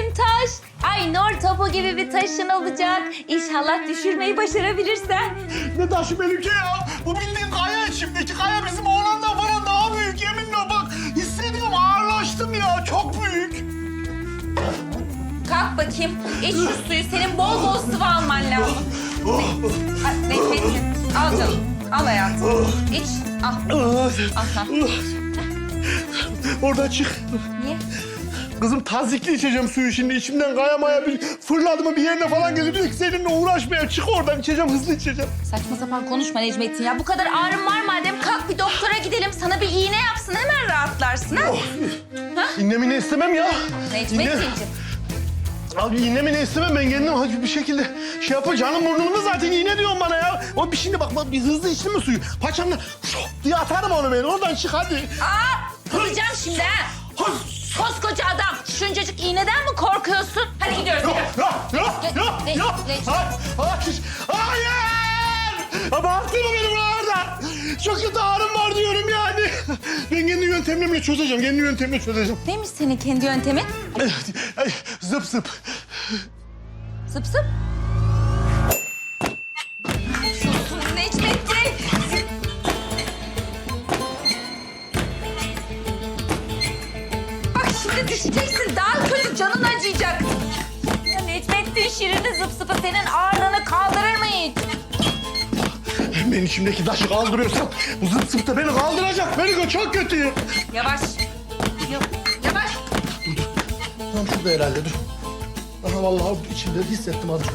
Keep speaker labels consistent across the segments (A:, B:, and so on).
A: benim taş. Ay nur topu gibi bir taşın olacak. İnşallah düşürmeyi başarabilirsen.
B: Ne taşı benimki ya? Bu bildiğin kaya içimdeki kaya bizim oğlandan falan daha büyük yeminle bak. Hissediyorum ağırlaştım ya çok büyük.
A: Kalk bakayım. İç şu suyu. Senin bol bol sıvı alman lazım. Necmettin. Al canım. Al hayatım. İç. Al. Al.
B: Oradan çık.
A: Niye?
B: Kızım tazikli içeceğim suyu şimdi. İçimden kaya maya bir fırladı mı bir yerine falan geliyor. Diyor ki seninle uğraşmaya çık oradan içeceğim hızlı içeceğim.
A: Saçma sapan konuşma Necmettin ya. Bu kadar ağrın var madem kalk bir doktora gidelim. Sana bir iğne yapsın hemen rahatlarsın ha.
B: İğnemini istemem ya.
A: Necmettin'ciğim.
B: Abi iğnemini istemem ben kendim bir şekilde şey yapın. Canım burnumda zaten iğne diyorsun bana ya. O bir şimdi bak bir hızlı içtin mi suyu? Paçamla diye atarım onu ben. Oradan çık hadi.
A: Aa, kızacağım şimdi ha. Koskoca adam. Şuncacık iğneden mi korkuyorsun? Hadi gidiyoruz.
B: Hayır! Ama attırma beni buralarda. Çok kötü ağrım var diyorum yani. Ben kendi yöntemlerimle çözeceğim. Kendi yöntemle çözeceğim.
A: Neymiş senin kendi yöntemin?
B: Zıp zıp.
A: Zıp zıp. Susun Necmettin. Bak şimdi düşeceksin. Daha kötü canın acıyacak. Ya Necmettin şirini zıp zıpı senin ağırlığını kaldırır mı hiç?
B: Ben içimdeki taşı kaldırıyorsam bu zıp zıp da beni kaldıracak. Beni çok kötüyüm.
A: Yavaş. Yavaş.
B: Tamam şurada herhalde dur. Aha vallahi içimde hissettim az.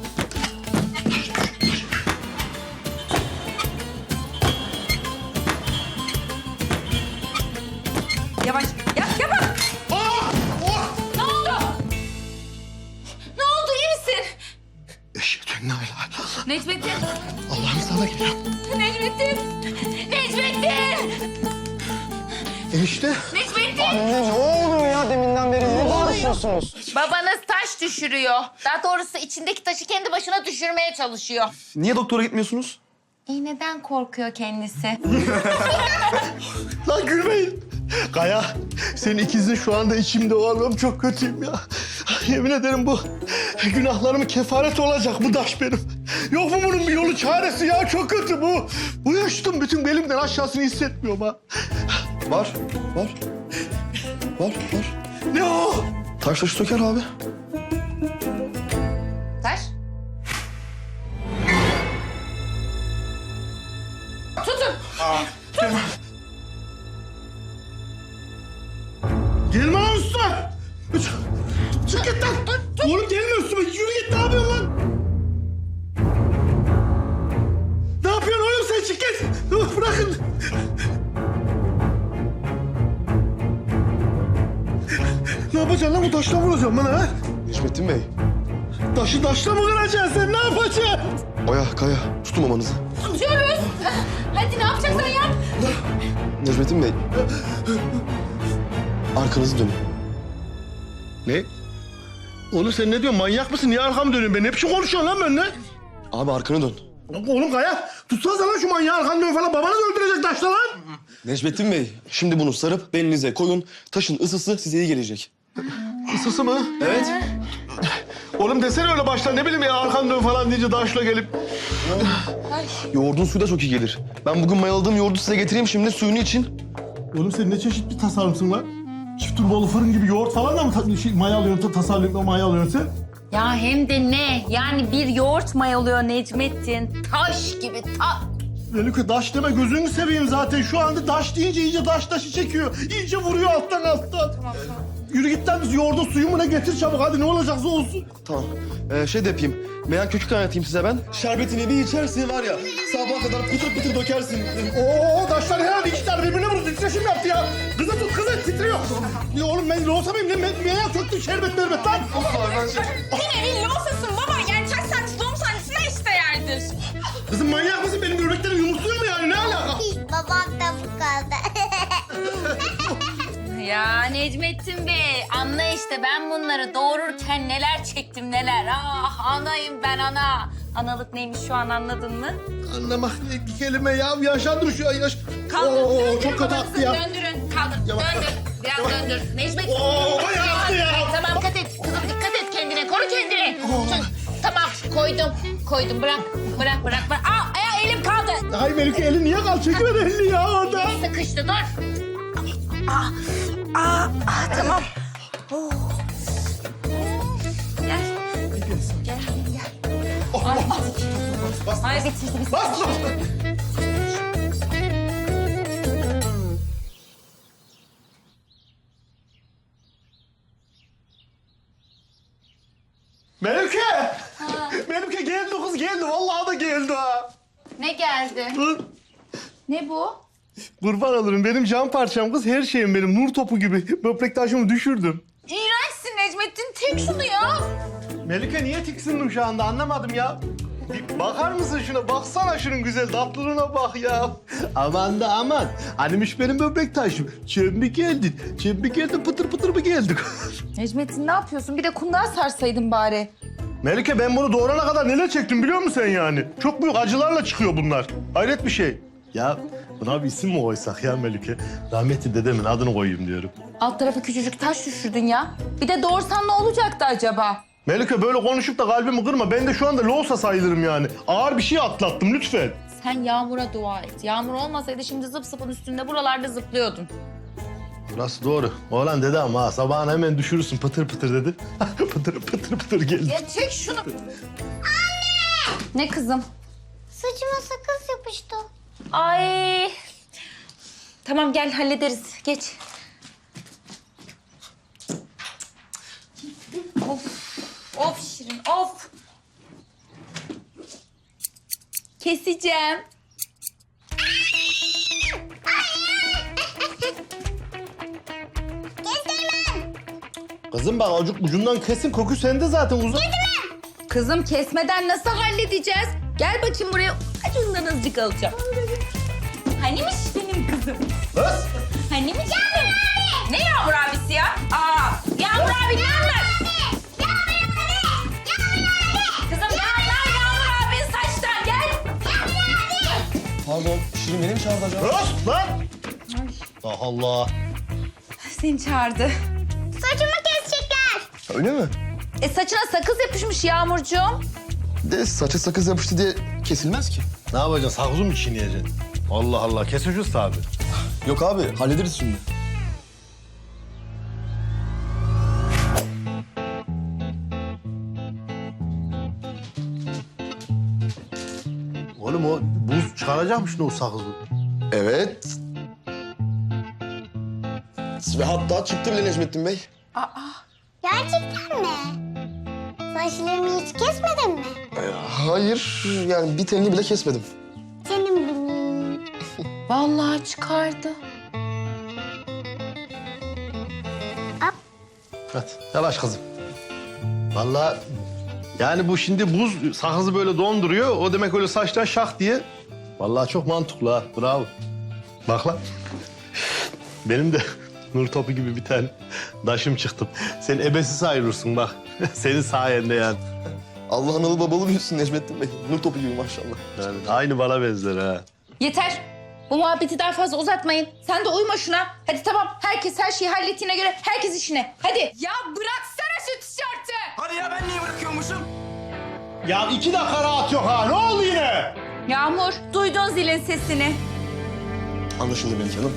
A: Yavaş. Yavaş.
B: Aa! Oh!
A: Ne oldu? Ne oldu? İyi misin?
B: Eşhedü en la ilahe illallah.
A: Necmettin.
B: Allah'ım sana geliyor.
A: Necmettin. Necmettin.
B: Enişte.
A: Necmettin.
C: Ne oluyor ya deminden beri? Ne bağırışıyorsunuz?
A: Babanız taş düşürüyor. Daha doğrusu içindeki taşı kendi başına düşürmeye çalışıyor.
C: Niye doktora gitmiyorsunuz?
A: İğneden korkuyor kendisi.
B: Lan gülmeyin. Kaya, senin ikizin şu anda içimde oğlum çok kötüyüm ya. Yemin ederim bu günahlarımın kefareti olacak bu taş benim. Yok mu bunun bir yolu çaresi ya çok kötü bu. Bu yaştım bütün belimden aşağısını hissetmiyorum ha.
C: Var.
B: Ne o?
C: Taş taşı söker abi.
A: Taş. Tutun.
B: Gelme lan üstüme. Çık git lan. Oğlum gelme üstüme. Yürü git ne yapıyorsun lan? Ne yapıyorsun oğlum sen çık git. Dur bırakın. Ne yapacaksın lan bu taşla vuracağım bana ha?
C: Necmettin Bey.
B: Taşı taşla mı kıracaksın sen ne yapacaksın?
C: Oya, Kaya. Tutun mamanızı.
A: Tutuyoruz. Hadi ne yapacaksan yap.
C: Necmettin Bey. Arkanızı dönün.
B: Ne? Oğlum sen ne diyorsun manyak mısın? Niye arkamı dönüyorsun? Ben ne biçim konuşuyorsun lan benimle?
C: Abi arkanı dön.
B: Oğlum Kaya tutsanıza lan şu manyağı arkanı dön falan. Babanı öldürecek taşla lan.
C: Necmettin Bey, şimdi bunu sarıp belinize koyun. Taşın ısısı size iyi gelecek.
B: Isısı mı?
C: Evet.
B: Oğlum desene öyle baştan ne bileyim ya arkanı dön falan deyince taşla gelip.
C: Yoğurdun suyu da çok iyi gelir. Ben bugün mayaladığım yoğurdu size getireyim şimdi suyunu için.
B: Oğlum sen ne çeşit bir tasarımsın lan? Çift turbolu fırın gibi yoğurt falan da mı mayalıyorsun, tasarlıyorsun, mayalıyorsun sen?
A: Ya hem de ne? Yani bir yoğurt mayalıyor Necmettin. Taş gibi
B: Melike taş deme gözünü seveyim zaten. Şu anda taş deyince iyice taşı çekiyor. İyice vuruyor alttan. Tamam. Yürü git lan biz yoğurdun suyu mu ne getir çabuk hadi ne olacaksa olsun.
C: Tamam. Şey de yapayım. Meyan kökü kaynatayım size ben. Şerbetini bir içersin var ya. Sabaha kadar pıtır pıtır dökersin.
B: Oo taşlar herhalde iki tane birbirine vurdu. Titreşim yaptı ya. Kızı tut kızı titriyor. Ya oğlum ben loğusa mıyım? Ne köktü şerbet lan.
D: Yine bir losasın baba. Yani çay saati doğum sahnesine işte yerdir.
B: Kızım manyak mısın? Benim böbreklerim yumurtluyor mu yani? Ne alaka?
E: Babam da bu kaldı.
A: Ya Necmettin Bey, anla işte ben bunları doğururken neler çektim neler. Ah anayım ben ana. Analık neymiş şu an anladın mı?
B: Anlamak ne bir kelime ya. Yaşandır şu an yaş.
A: Kaldır, döndürün
B: çok kötü
A: babanızı,
B: attı ya.
A: Döndürün, kaldır,
B: Yavaş.
A: döndür. Biraz döndür. Necmettin.
B: Bayağı attı ya.
A: Tamam, dikkat et. Kızım Koydum. Bırak. Aa, elim kaldı.
B: Ay Melike elin niye kal? Çekiver elini ya orada.
A: Sıkıştı, dur.
D: Tamam.
A: Gel. Ay bitirdi.
B: Bas. Melike! Melike geldi kız geldi. Vallahi da geldi ha.
A: Ne geldi?
B: Dur.
A: Ne bu?
B: Kurban olurum. Benim can parçam kız. Her şeyim benim. Nur topu gibi. Böbrek taşımı düşürdüm.
A: İğrençsin Necmettin. Tek şunu ya.
B: Melike niye tiksindim şu anda anlamadım ya. Bir bakar mısın şuna? Baksana şunun güzel tatlılığına bak ya. Aman da aman. Hanimiş benim böbrek taşım. Çöp mü geldin? Çöp mü geldin? Pıtır pıtır mı geldik?
D: Necmettin ne yapıyorsun? Bir de kundağa sarsaydın bari.
B: Melike ben bunu doğurana kadar neler çektim biliyor musun sen yani? Çok büyük acılarla çıkıyor bunlar. Hayret bir şey. Ya buna bir isim mi koysak ya Melike? Rahmetli dedemin adını koyayım diyorum.
D: Alt tarafı küçücük taş düşürdün ya. Bir de doğursan ne olacaktı acaba?
B: Melike böyle konuşup da kalbimi kırma. Ben de şu anda loğusa sayılırım yani. Ağır bir şey atlattım lütfen.
D: Sen Yağmur'a dua et. Yağmur olmasaydı şimdi zıp zıpın üstünde buralarda zıplıyordun.
B: Burası doğru. Oğlan dedi ama ha, sabahına hemen düşürürsün pıtır pıtır dedi. Pıtır pıtır pıtır geldi.
D: Ya çek şunu. Anne! Ne kızım?
E: Saçıma sakız yapıştı.
D: Ay. Tamam gel hallederiz. Geç. Of Şirin of. Keseceğim.
B: Kızım bak acık ucundan kesin koku sende zaten uzun.
D: Kızım kesmeden nasıl halledeceğiz? Gel bakayım buraya. Acından azıcık alacağım. Hanimiş benim kızım?
B: Kız.
D: Hanimiş benim? Ne Yağmur abisi ya? Aa, Yağmur abi ne anlar? Kızım ne anlar Yağmur abinin saçtan? Gel.
C: Pardon, Şirin beni mi çağırdı acaba?
B: Kız lan. Allah Allah.
D: Seni çağırdı.
E: Saçımı kesecekler.
C: Öyle mi?
D: Saçına sakız yapışmış Yağmurcuğum.
C: De saçı sakız yapıştı diye kesilmez ki.
B: Ne yapacaksın? Sakızı mı çiğneyeceksin? Allah Allah. Kes ucuz tabii.
C: Yok abi, hallederiz şimdi.
B: Oğlum o buz çıkaracakmış ne o sakızı?
C: Evet. Ve hatta çıktı bile Necmettin Bey.
E: Gerçekten mi? Saçlarımı hiç kesmedin mi?
C: Hayır, yani bir telini bile kesmedim.
E: Canım benim.
D: Vallahi çıkardı.
B: Hadi yavaş kızım. Vallahi yani bu şimdi buz sakızı böyle donduruyor. O demek öyle saçtan şak diye. Vallahi çok mantıklı ha. Bravo. Bak lan. Benim de nur topu gibi bir tane daşım çıktı. Sen ebesi sayılırsın bak. Senin sayende yani.
C: Allah analı babalı büyüsün Necmettin Bey. Nur topu gibi maşallah.
B: Yani aynı bana benzer ha.
D: Yeter. Bu muhabbeti daha fazla uzatmayın. Sen de uyma şuna. Hadi tamam. Herkes her şeyi hallettiğine göre herkes işine. Hadi. Ya bıraksana şu tişörtü.
F: Hadi ya ben niye bırakıyormuşum?
B: Ya 2 dakika rahat yok ha. Ne oldu yine?
D: Yağmur, duydun zilin sesini.
C: Anlaşıldı Melike Hanım.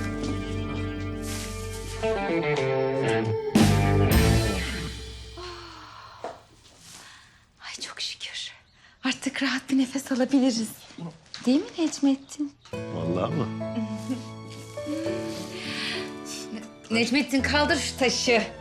D: Ay çok şükür. Artık rahat bir nefes alabiliriz. Değil mi Necmettin?
B: Vallahi mı?
D: Necmettin kaldır şu taşı.